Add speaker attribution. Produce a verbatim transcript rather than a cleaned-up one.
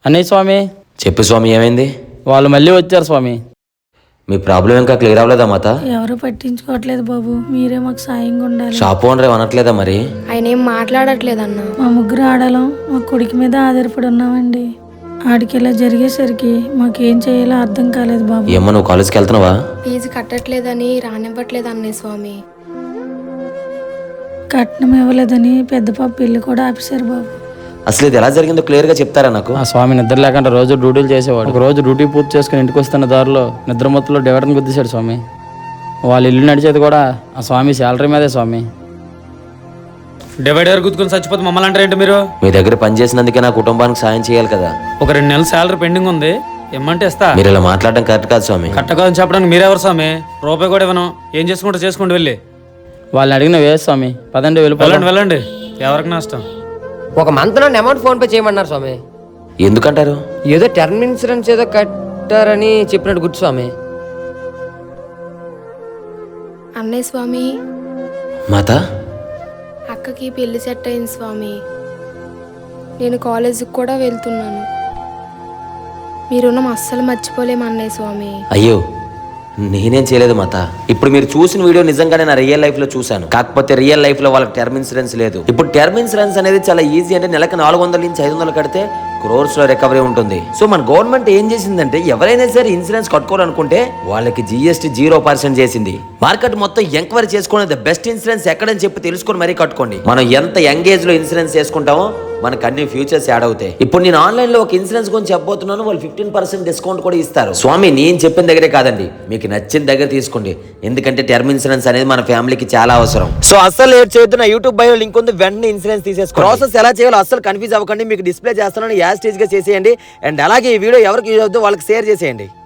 Speaker 1: అన్నయ్య స్వామి.
Speaker 2: చెప్పు స్వామి, ఏమైంది?
Speaker 1: వాళ్ళు మళ్ళీ వచ్చారు స్వామి.
Speaker 2: మీ ప్రాబ్లం ఇంకా క్లియర్ అవ్వలేదా మాత?
Speaker 3: ఎవరు పట్టించుకోవట్లేదు బాబు, మీరే మాకు సాయంగా ఉండాలి.
Speaker 2: షాప్ ఓనర్ ఏమనట్లేదా మరి?
Speaker 4: ఆయన ఏం మాట్లాడట్లేదన్నా.
Speaker 3: మా ముగ్గురు ఆడలం మా కొడుకు మీద ఆధారపడి ఉన్నామండి. ఆడికి ఇలా జరిగేసరికి మాకేం చేయాలో అర్థం కాలేదు బాబు.
Speaker 2: ఏమో, నువ్వు కాలేజ్కి వెళ్తున్నావా?
Speaker 4: ఫీజు కట్టట్లేదని రానివ్వట్లేదు అన్నయ్య స్వామి.
Speaker 3: కట్నం ఇవ్వలేదని పెద్ద పాప పెళ్లి కూడా ఆపేశారు బాబు.
Speaker 2: అసలు ఇది ఎలా జరిగిందో క్లియర్ గా చెప్తారా నాకు?
Speaker 1: ఆ స్వామి నిద్ర లేకుండా రోజు డ్యూటీలు చేసేవాడు. ఒక రోజు డ్యూటీ పూర్తి చేసుకుని ఇంటికి వస్తున్న దారిలో నిద్ర మొత్తంలో డివైడర్ని గుద్దేశాడు స్వామి. వాళ్ళ ఇల్లు నడిచేది కూడా ఆ స్వామి శాలరీ మీదే స్వామి.
Speaker 5: డివైడర్ గుద్దుకుని చచ్చిపోతే మమ్మల్ని అంటారేంటి మీరు?
Speaker 2: మీ దగ్గర పని చేసినందుకే నా కుటుంబానికి సాయం చేయాలి కదా.
Speaker 5: ఒక రెండు నెలల శాలరీ పెండింగ్ ఉంది, ఇమ్మంటే ఇస్తా.
Speaker 2: మీరు ఇలా మాట్లాడడం కరెక్ట్ కాదు స్వామి.
Speaker 5: కట్టకాదని చెప్పడానికి మీరెవరు స్వామి? రూపాయి కూడా ఇవ్వను. ఏం చేసుకుంటూ చేసుకోండి, వెళ్ళి.
Speaker 1: వాళ్ళని అడిగిన వేసు స్వామి. పదండి వెళ్ళిపోండి.
Speaker 5: వెళ్ళండి వెళ్ళండి, ఎవరికి నష్టం.
Speaker 6: ఒక మంత్ లో అమౌంట్ ఫోన్ పే చేయమన్నారు స్వామి.
Speaker 2: ఎందుకంటారు?
Speaker 6: ఏదో టర్మ్ ఇన్సూరెన్స్ ఏదో కట్టారని చెప్పినట్టు గుర్తు స్వామి.
Speaker 4: అన్నయ్య స్వామి,
Speaker 2: మాత,
Speaker 4: అక్కకి పెళ్లి సెట్ అయింది స్వామి. నేను కాలేజీకి కూడా వెళ్తున్నాను. మీ రుణం అస్సలు మర్చిపోలేము అన్నయ్య స్వామి.
Speaker 2: అయ్యో నేనేం చేయలేదు మాత. ఇప్పుడు మీరు చూసిన వీడియో నిజంగానే నా రియల్ లైఫ్ లో చూశాను. కాకపోతే రియల్ లైఫ్ లో వాళ్ళకి టర్మ్ ఇన్సూరెన్స్ లేదు. ఇప్పుడు టర్మ్ ఇన్సూరెన్స్ అనేది చాలా ఈజీ. అంటే నెలకు నాలుగు వందల నుంచి ఐదు వందలు కడితే క్రోర్స్ లో రికవరీ ఉంటుంది. సో మన గవర్నమెంట్ ఏం చేసిందంటే, ఎవరైనా సరే ఇన్సూరెన్స్ కట్టుకోవాలనుకుంటే వాళ్ళకి జిఎస్టీ జీరో పర్సెంట్ చేసింది. మార్కెట్ మొత్తం ఎంక్వైరీ చేసుకుని ద బెస్ట్ ఇన్సూరెన్స్ ఎక్కడని చెప్పి తెలుసుకొని మరీ కట్టుకోండి. మనం ఎంత యంగ్ ఏజ్ లో ఇన్సూరెన్స్ చేసుకుంటామో మనకు అన్ని ఫ్యూచర్స్ యాడ్ అవుతాయి. ఇప్పుడు నేను ఆన్లైన్ లో ఒక ఇన్సూరెన్స్ గురించి చెప్పబోతున్నాను. వాళ్ళు ఫిఫ్టీన్ పర్సెంట్ డిస్కౌంట్ కూడా ఇస్తారు. స్వామి, నేను చెప్పిన దగ్గరే కాదండి, మీకు నచ్చిన దగ్గర తీసుకోండి. ఎందుకంటే టర్మ్ ఇన్సూరెన్స్ అనేది మన ఫ్యామిలీకి చాలా అవసరం. సో అస్సలు లేట్ చేయొద్దు. నా యూట్యూబ్ బయో లింక్ ఉంది, వెంటనే ఇన్సూరెన్స్ తీసేసుకోండి. ప్రాసెస్ ఎలా చేయాలో అస్సలు కన్ఫ్యూజ్ అవ్వకండి. మీకు డిస్ప్లే చేస్తున్నాను, యాజ్ స్టేజ్ గా చేసేయండి. అండ్ అలాగే ఈ వీడియో ఎవరికి యూజ్ అవుతుందో వాళ్ళకి షేర్ చేసేయండి.